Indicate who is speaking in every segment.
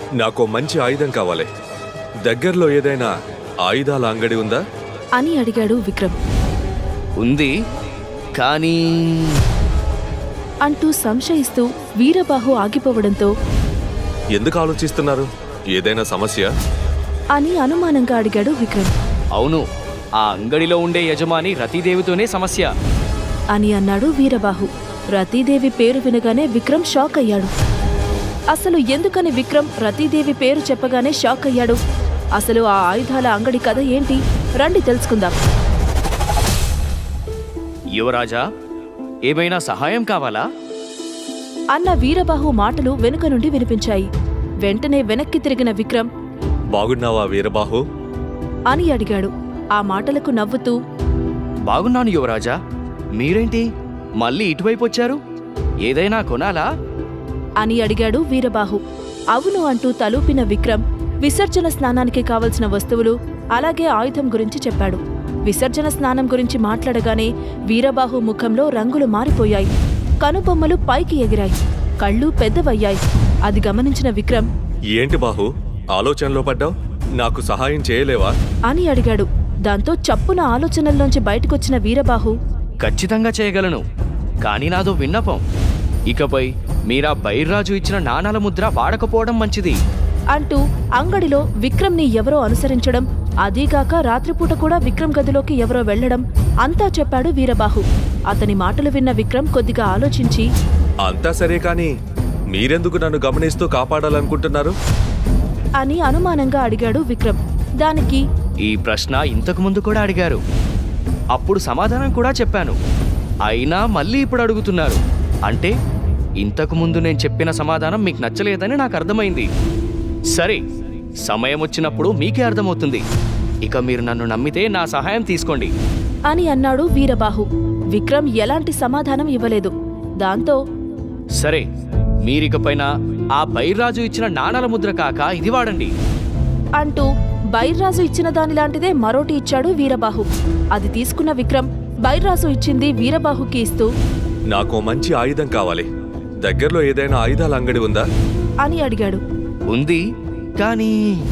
Speaker 1: నాకు మంచి ఆయుధం కావాలి. దగ్గరలో ఏదైనా ఆయుధాల అంగడి ఉందా
Speaker 2: అని అడిగాడు విక్రమ్.
Speaker 3: ఉంది, కానీ
Speaker 2: అంటూ సంశయిస్తూ వీరబాహు ఆగిపోవడంతో
Speaker 1: ఎందుకు ఆలోచిస్తున్నారు? ఏదైనా సమస్య
Speaker 2: అని అనుమానంగా అడిగాడు విక్రమ్.
Speaker 3: అవును, ఆ అంగడిలో ఉండే యజమాని రతీదేవితోనే సమస్య
Speaker 2: అని అన్నాడు వీరబాహు. రతీదేవి పేరు వినగానే విక్రమ్ షాక్ అయ్యాడు. అసలు ఎందుకని విక్రమ్ రతీదేవి పేరు చెప్పగానే షాక్ అయ్యాడు? అసలు ఆ ఆయుధాల అంగడి కథ ఏంటి? రండి తెలుసుకుందాం.
Speaker 3: యువరాజా, ఏమైనా సహాయం కావాలా?
Speaker 2: అన్న వీరబాహు మాటలు వెనుక నుండి వినిపించాయి. వెంటనే వెనక్కి తిరిగిన విక్రమ్
Speaker 1: బాగున్నావా వీరబాహు
Speaker 2: అని అడిగాడు. ఆ మాటలకు నవ్వుతూ
Speaker 3: బాగున్నాను యువరాజా. మీరేంటి మళ్ళీ ఇటువైపు వచ్చారు? ఏదైనా కొనాలా
Speaker 2: అని అడిగాడు వీరబాహు. అవును అంటూ తలూపిన విక్రమ్ విసర్జన స్నానానికి కావలసిన వస్తువులు అలాగే ఆయుధం గురించి చెప్పాడు. విసర్జన స్నానం గురించి మాట్లాడగానే వీరబాహు ముఖంలో రంగులు మారిపోయాయి. కనుబొమ్మలు పైకి ఎగిరాయి, కళ్ళు పెద్దవయ్యాయి. అది గమనించిన విక్రమ్
Speaker 1: ఏంటి బాహు ఆలోచనలో పడ్డావు? నాకు సహాయం చేయలేవా
Speaker 2: అని అడిగాడు. దాంతో చప్పున ఆలోచనల్లోంచి బయటకొచ్చిన వీరబాహు
Speaker 3: ఖచ్చితంగా చేయగలను, కానీ నాదో విన్నపం. ఇకపై మీరా బైర్రాజు ఇచ్చిన నాణాల ముద్ర వాడకపోవడం మంచిది
Speaker 2: అంటూ అంగడిలో విక్రమ్ని ఎవరో అనుసరించడం, అదీగాక రాత్రిపూట కూడా విక్రమ్ గదిలోకి ఎవరో వెళ్లడం అంతా చెప్పాడు వీరబాహు. అతని మాటలు విన్న విక్రమ్ కొద్దిగా ఆలోచించి
Speaker 1: అంతా సరే కానీ మీరెందుకు నన్ను గమనిస్తూ కాపాడాలనుకుంటున్నారు
Speaker 2: అని అనుమానంగా అడిగాడు విక్రమ్. దానికి
Speaker 3: ఈ ప్రశ్న ఇంతకు ముందు కూడా అడిగారు, అప్పుడు సమాధానం కూడా చెప్పాను. అయినా మళ్ళీ ఇప్పుడు అడుగుతున్నారు అంటే ఇంతకు ముందు నేను చెప్పిన సమాధానం మీకు నచ్చలేదని నాకు అర్థమైంది. సరే, సమయం వచ్చినప్పుడు మీకే అర్థమవుతుంది. ఇక మీరు నన్ను నమ్మితే నా సహాయం తీసుకోండి
Speaker 2: అని అన్నాడు వీరబాహు. విక్రమ్ ఎలాంటి సమాధానం ఇవ్వలేదు. దాంతో
Speaker 3: సరే, మీరికపైన ఆ బైర్రాజు ఇచ్చిన నాణాల ముద్ర కాక ఇది వాడండి
Speaker 2: అంటూ బైర్రాజు ఇచ్చిన దానిలాంటిదే మరోటి ఇచ్చాడు వీరబాహు. అది తీసుకున్న విక్రమ్ బైర్రాజు ఇచ్చింది వీరబాహుకి ఇస్తూ
Speaker 1: నాకు మంచి ఆయుధం కావాలి. దగ్గరలో ఏదైనా ఆయుధాల అంగడి ఉందా
Speaker 2: అని అడిగాడు.
Speaker 3: ఉంది, కానీ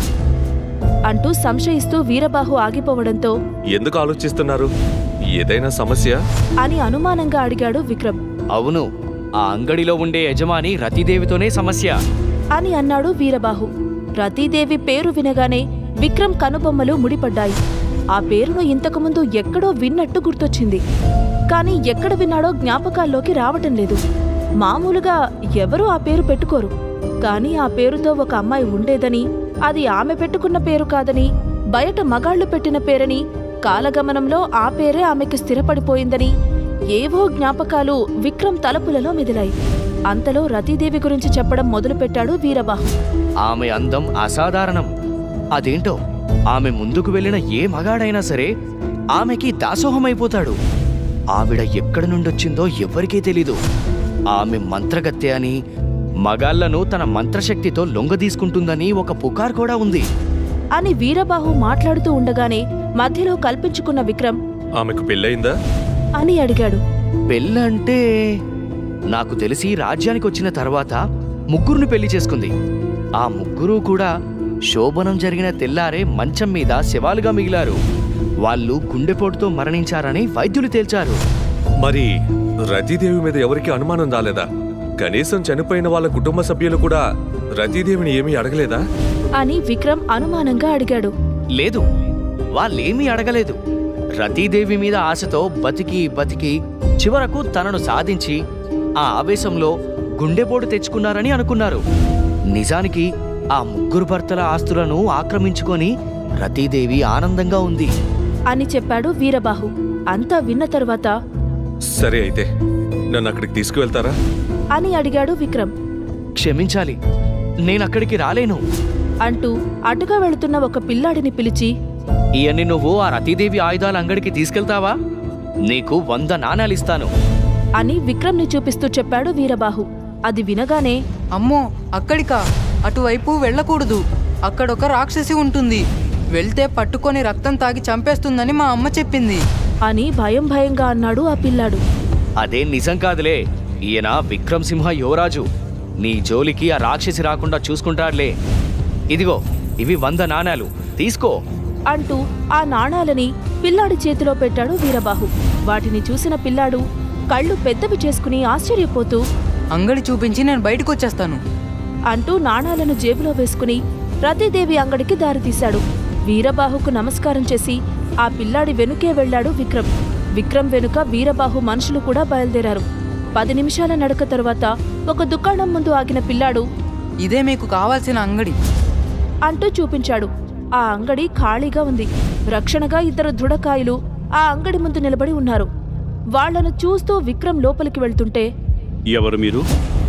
Speaker 2: అంటూ సంశయిస్తూ వీరబాహు ఆగిపోవడంతో
Speaker 1: ఎందుకు ఆలోచిస్తున్నారు? ఏదైనా సమస్య
Speaker 2: అని అనుమానంగా అడిగాడు విక్రమ్.
Speaker 3: అవును, ఆ అంగడిలో ఉండే యజమాని రతీదేవితోనే సమస్య
Speaker 2: అని అన్నాడు వీరబాహు. రతీదేవి పేరు వినగానే విక్రమ్ కనుబొమ్మలు ముడిపడ్డాయి. ఆ పేరును ఇంతకుముందు ఎక్కడో విన్నట్టు గుర్తొచ్చింది. కాని ఎక్కడ విన్నాడో జ్ఞాపకాల్లోకి రావటం లేదు. మామూలుగా ఎవరూ ఆ పేరు పెట్టుకోరు. కాని ఆ పేరుతో ఒక అమ్మాయి ఉండేదని, అది ఆమె పెట్టుకున్న పేరు కాదని, బయట మగాళ్లు పెట్టిన పేరని, కాలగమనంలో ఆ పేరే ఆమెకు స్థిరపడిపోయిందని ఏవో జ్ఞాపకాలు విక్రమ్ తలపులలో మెదిలాయి. అంతలో రతీదేవి గురించి చెప్పడం మొదలుపెట్టాడు వీరబాహు.
Speaker 3: ఆమె అందం అసాధారణం. అదేంటో ఆమె ముందుకు వెళ్ళిన ఏ మగాడైనా సరే ఆమెకి దాసోహమైపోతాడు. ఆవిడ ఎక్కడి నుండొచ్చిందో ఎవ్వరికీ తెలీదు. ఆమె మంత్రగత్తె అని, మగాళ్లను తన మంత్రశక్తితో లొంగదీసుకుంటుందని ఒక పుకార్ కూడా ఉంది
Speaker 2: అని వీరబాహు మాట్లాడుతూ ఉండగానే మధ్యలో కల్పించుకున్న విక్రమ్
Speaker 1: ఆమెకు పెళ్ళయిందా
Speaker 2: అని అడిగాడు.
Speaker 3: పెళ్ళంటే నాకు తెలిసి రాజ్యానికి వచ్చిన తర్వాత ముగ్గురుని పెళ్లి చేసుకుంది. ఆ ముగ్గురు కూడా శోభనం జరిగిన తెల్లారే మంచం మీద శవాలుగా మిగిలారు. వాళ్ళు గుండెపోటుతో మరణించారని వైద్యులు తేల్చారు.
Speaker 1: మరి రతీదేవి మీద ఎవరికి అనుమానం రాలేదా? కనీసం చనిపోయిన వాళ్ళ కుటుంబ సభ్యులు కూడా రతీదేవిని ఏమీ అడగలేదా
Speaker 2: అని విక్రమ్ అనుమానంగా అడిగాడు.
Speaker 3: లేదు, వాళ్ళేమీ అడగలేదు. రతీదేవి మీద ఆశతో బతికి బతికి చివరకు తనను సాధించి ఆ ఆవేశంలో గుండెపోటు తెచ్చుకున్నారని అనుకున్నారు. నిజానికి ఆ ముగ్గురు భర్తల ఆస్తులను ఆక్రమించుకొని రతీదేవి ఆనందంగా ఉంది
Speaker 2: అని చెప్పాడు వీరబాహు. అంతా విన్న తరువాత
Speaker 1: సరే అయితే నన్ను అక్కడికి తీసుకువెళ్తారా
Speaker 2: అని అడిగాడు విక్రమ్.
Speaker 3: క్షమించాలి, నేనక్కడికి రాలేను
Speaker 2: అంటూ అటుగా వెళుతున్న ఒక పిల్లాడిని పిలిచి
Speaker 3: ఇవన్నీ నువ్వు ఆ రతీదేవి ఆయుధాల అంగడికి తీసుకెళ్తావా? నీకు 100 నాణాలిస్తాను
Speaker 2: అని విక్రమ్ని చూపిస్తూ చెప్పాడు వీరబాహు. అది వినగానే
Speaker 4: అమ్మో, అక్కడికా? అటువైపు వెళ్ళకూడదు. అక్కడొక రాక్షసి ఉంటుంది. వెళ్తే పట్టుకొని రక్తం తాగి చంపేస్తుందని మా అమ్మ చెప్పింది
Speaker 2: అని భయం భయంగా అన్నాడు ఆ పిల్లాడు.
Speaker 3: అదేం నిజం కాదులే. ఈయన విక్రమ్ సింహ యువరాజు. నీ జోలికి ఆ రాక్షసి రాకుండా చూసుకుంటాడులే. ఇదిగో ఇవి 100 నాణాలు తీసుకో
Speaker 2: అంటూ ఆ నాణాలని పిల్లాడి చేతిలో పెట్టాడు వీరబాహు. వాటిని చూసిన పిల్లాడు కళ్ళు పెద్దవి చేసుకుని ఆశ్చర్యపోతూ
Speaker 4: అంగడి చూపించి నేను బయటకు వచ్చేస్తాను.
Speaker 2: అంటూ నాణాలను జేబులో వేసుకుని రతీదేవి అంగడికి దారితీశాడు. వీరబాహుకు నమస్కారం చేసి ఆ పిల్లాడి వెనుకే వెళ్లాడు విక్రమ్. విక్రమ్ వెనుక వీరబాహు మనుషులు కూడా బయలుదేరారు. 10 నిమిషాల నడక తరువాత ఒక దుకాణం ముందు ఆగిన పిల్లాడు
Speaker 4: ఇదే మీకు కావాల్సిన అంగడి
Speaker 2: అంటూ చూపించాడు. ఆ అంగడి ఖాళీగా ఉంది. రక్షణగా 2 దృఢకాయలు ఆ అంగడి ముందు నిలబడి ఉన్నారు. వాళ్లను చూస్తూ విక్రమ్ లోపలికి వెళ్తుంటే
Speaker 5: ఎవరు మీరు?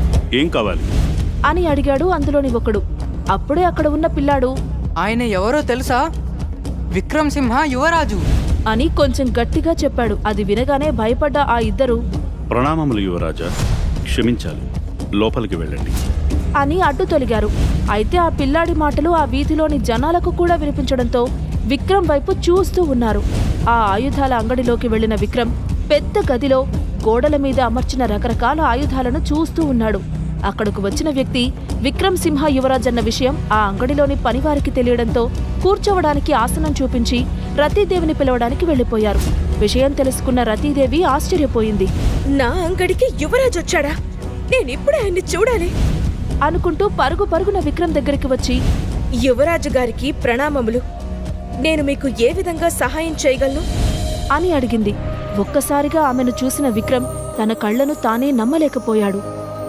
Speaker 5: ఏం కావాలి?
Speaker 2: అని అడిగాడు అందులోని ఒకడు. అప్పుడే అక్కడ ఉన్న పిల్లాడు
Speaker 4: ఆయన ఎవరో తెలుసా? విక్రమ్ సింహ యువరాజు
Speaker 2: అని కొంచెం గట్టిగా చెప్పాడు. అది వినగానే భయపడ్డ ఆ 2
Speaker 5: ప్రణామములు యువరాజా, క్షమించాలి, లోపలికి వెళ్ళండి
Speaker 2: అని అడ్డు తొలిగారు. అయితే ఆ పిల్లాడి మాటలు ఆ వీధిలోని జనాలకు కూడా వినిపించడంతో విక్రమ్ వైపు చూస్తూ ఉన్నారు. ఆ ఆయుధాల అంగడిలోకి వెళ్లిన విక్రమ్ పెద్ద గదిలో గోడల మీద అమర్చిన రకరకాల ఆయుధాలను చూస్తూ ఉన్నాడు. అక్కడకు వచ్చిన వ్యక్తి విక్రమ్ సింహ యువరాజ్ అన్న విషయం ఆ అంగడిలోని పనివారికి తెలియడంతో కూర్చోవడానికి ఆసనం చూపించి రతీదేవిని పిలవడానికి వెళ్లిపోయారు. విషయం తెలుసుకున్న రతీదేవి ఆశ్చర్యపోయింది.
Speaker 6: నా అంగడికి యువరాజ్ వచ్చాడా? నేనిప్పుడే ఆయన్ని చూడాలి
Speaker 2: అనుకుంటూ పరుగు పరుగున విక్రమ్ దగ్గరికి వచ్చి
Speaker 6: యువరాజు గారికి ప్రణామములు. నేను మీకు ఏ విధంగా సహాయం చేయగలను
Speaker 2: అని అడిగింది. ఒక్కసారిగా ఆమెను చూసిన విక్రమ్ తన కళ్లను తానే నమ్మలేకపోయాడు.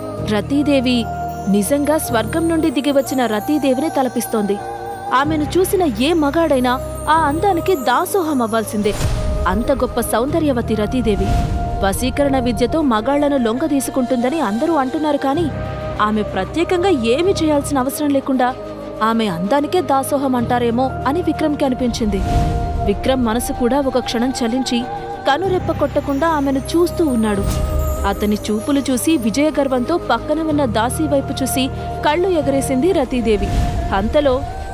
Speaker 2: రతీదేవి నిజంగా స్వర్గం నుండి దిగివచ్చిన రతీదేవిని తలపిస్తోంది. ఆమెను చూసిన ఏ మగాడైనా ఆ అందానికి దాసోహం అవ్వాల్సిందే. అంత గొప్ప సౌందర్యవతి రతీదేవి. వశీకరణ విద్యతో మగాళ్లను లొంగదీసుకుంటుందని అందరూ అంటున్నారు, కానీ ఆమె ప్రత్యేకంగా ఏమీ చేయాల్సిన అవసరం లేకుండా ఆమె అందానికే దాసోహం అంటారేమో అని విక్రమ్కి అనిపించింది. విక్రమ్ మనసు కూడా ఒక క్షణం చలించి కనురెప్ప కొట్టకుండా ఆమెను చూస్తూ ఉన్నాడు. అతని చూపులు చూసి విజయగర్వంతో పక్కన ఉన్న దాసీ వైపు చూసి కళ్ళు ఎగరేసింది రతీదేవి. అంతలో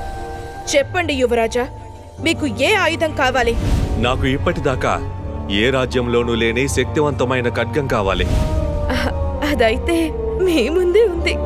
Speaker 6: చెప్పండి యువరాజా, మీకు ఏ ఆయుధం కావాలి?
Speaker 1: నాకు ఇప్పటిదాకా ఏ రాజ్యంలోనూ లేని శక్తివంతమైన ఖడ్గం కావాలి.
Speaker 6: అదైతే మీ ముందే ఉంది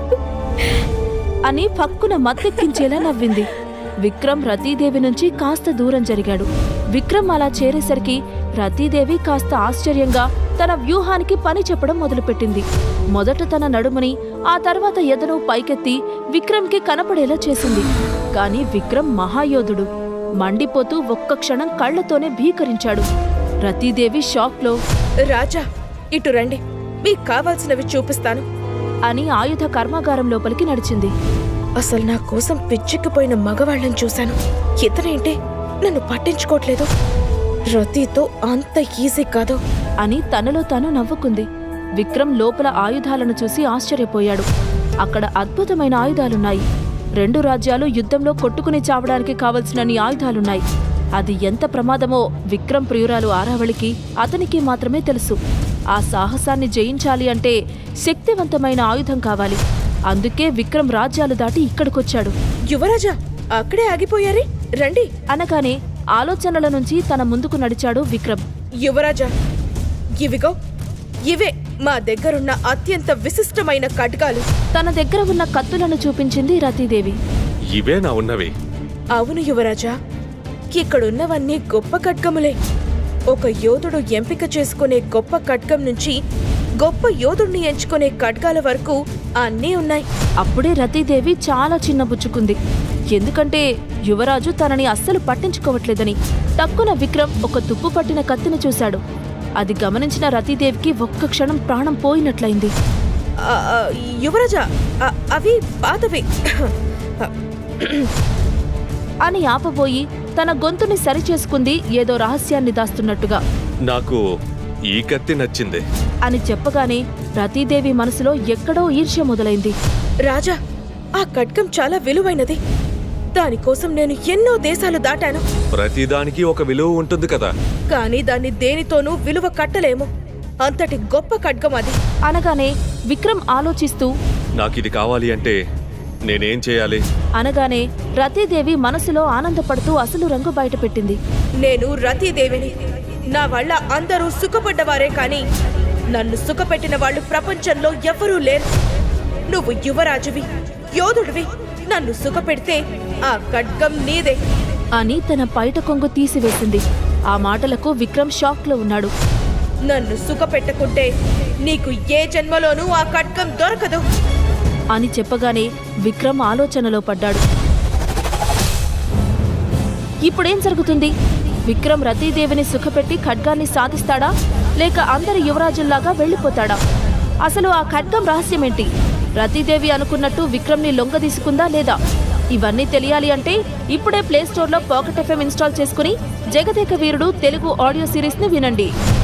Speaker 2: అని పక్కున మత్తెక్కించేలా నవ్వింది. విక్రమ్ రతీదేవి నుంచి కాస్త దూరం జరిగాడు. విక్రమ్ అలా చేరేసరికి రతీదేవి కాస్త ఆశ్చర్యంగా తన వ్యూహానికి పని చెప్పడం మొదలుపెట్టింది. మొదట తన నడుముని, ఆ తర్వాత ఎదను పైకెత్తి విక్రమ్కి కనపడేలా చేసింది. కాని విక్రమ్ మహాయోధుడు. మండిపోతూ ఒక్క క్షణం కళ్లతోనే భీకరించాడు. రతీదేవి షాక్లో
Speaker 6: రాజా, ఇటు రండి, మీకు కావాల్సినవి చూపిస్తాను
Speaker 2: అని ఆయుధ కర్మాగారం లోపలికి నడిచింది.
Speaker 6: అసలు నా కోసం పిచ్చెక్కిపోయిన మగవాళ్ళని చూశాను. ఇతనేంటి నన్ను పట్టించుకోవట్లేదు? రతీతో అంత ఈజీ కాదు
Speaker 2: అని తనలో తాను నవ్వుకుంది. విక్రమ్ లోపల ఆయుధాలను చూసి ఆశ్చర్యపోయాడు. అక్కడ అద్భుతమైన ఆయుధాలున్నాయి. 2 రాజ్యాలు యుద్ధంలో కొట్టుకుని చావడానికి కావలసినన్ని ఆయుధాలున్నాయి. అది ఎంత ప్రమాదమో విక్రమ్ ప్రియురాలు ఆరావళికి, అతనికి మాత్రమే తెలుసు. ఆ సాహసాన్ని జయించాలి అంటే శక్తివంతమైన ఆయుధం కావాలి. అందుకే విక్రమ్ రాజ్యాలు దాటి ఇక్కడికొచ్చాడు.
Speaker 6: యువరాజా, అక్కడే ఆగిపోయారే, రండి
Speaker 2: అనగానే ఆలోచనల నుంచి తన ముందుకు నడిచాడు విక్రమ్.
Speaker 6: యువరాజా, ఇవిగో ఇవే మా దగ్గరున్న అత్యంత విశిష్టమైన ఖడ్గాలు.
Speaker 2: తన దగ్గర ఉన్న కత్తులను చూపించింది రతీదేవి.
Speaker 1: ఇవేనా ఉన్నవి?
Speaker 6: అవును యువరాజా, ఇక్కడున్నవన్నీ గొప్ప ఖడ్గములే. ఒక యోధుడు ఎంపిక చేసుకునే గొప్ప ఖడ్గం నుంచి గొప్ప యోధుడిని ఎంచుకునే ఖడ్గాల వరకు అన్నీ ఉన్నాయి.
Speaker 2: అప్పుడే రతీదేవి చాలా చిన్నబుచ్చుకుంది. ఎందుకంటే యువరాజు తనని అస్సలు పట్టించుకోవట్లేదని. టక్కున విక్రమ్ ఒక తుప్పు పట్టిన కత్తిని చూశాడు. అది గమనించిన రతీదేవికి ఒక్క క్షణం ప్రాణం పోయినట్లయింది.
Speaker 6: యువరాజా, అవి పాతవి
Speaker 2: అని ఆపబోయి తన గొంతుని సరిచేసుకుంది, ఏదో రహస్యాన్ని దాస్తున్నట్టుగా.
Speaker 1: నాకు ఈ కత్తి నచ్చింది
Speaker 2: అని చెప్పగానే రతీదేవి మనసులో ఎక్కడో ఈర్ష్య మొదలైంది.
Speaker 6: రాజా, ఆ ఖడ్గం చాలా విలువైనది. దానికోసం నేను ఎన్నో దేశాలు దాటాను.
Speaker 1: ప్రతిదానికి ఒక విలువ ఉంటుంది కదా.
Speaker 6: కానీ దాన్ని దేనితోనూ విలువ కట్టలేము. అంతటి గొప్ప ఖడ్గం అది
Speaker 2: అనగానే విక్రమ్ ఆలోచిస్తూ
Speaker 1: నాకిది కావాలి అంటే నేనేం చేయాలి
Speaker 2: అనగానే రతీదేవి మనసులో ఆనందపడుతూ అసలు రంగు బయటపెట్టింది.
Speaker 6: నేను రతీదేవిని. నా వల్ల అందరూ సుఖపడ్డవారే, కానీ నన్ను సుఖపెట్టిన వాళ్ళు ప్రపంచంలో ఎవ్వరూ లేరు. నువ్వు యువరాజువి, యోధుడివి. నన్ను సుఖపెడితే ఆ ఖడ్గం నీదే.
Speaker 2: అని తన పైట కొంగు తీసివేసింది. ఆ మాటలకు విక్రమ్ షాక్లో ఉన్నాడు.
Speaker 6: నన్ను సుఖపెట్టకుంటే నీకు ఏ జన్మలోనూ ఆ ఖడ్గం దొరకదు
Speaker 2: అని చెప్పగానే విక్రమ్ ఆలోచనలో పడ్డాడు. ఇప్పుడేం జరుగుతుంది? విక్రమ్ రతీదేవిని సుఖపెట్టి ఖడ్గాన్ని సాధిస్తాడా, లేక అందరి యువరాజుల్లాగా వెళ్ళిపోతాడా? అసలు ఆ ఖడ్గం రహస్యమేంటి? రతీదేవి అనుకున్నట్టు విక్రమ్ని లొంగదీసుకుందా లేదా? ఇవన్నీ తెలియాలి అంటే ఇప్పుడే ప్లేస్టోర్లో పాకెట్ FM ఇన్స్టాల్ చేసుకుని జగదేక వీరుడు తెలుగు ఆడియో సిరీస్ని వినండి.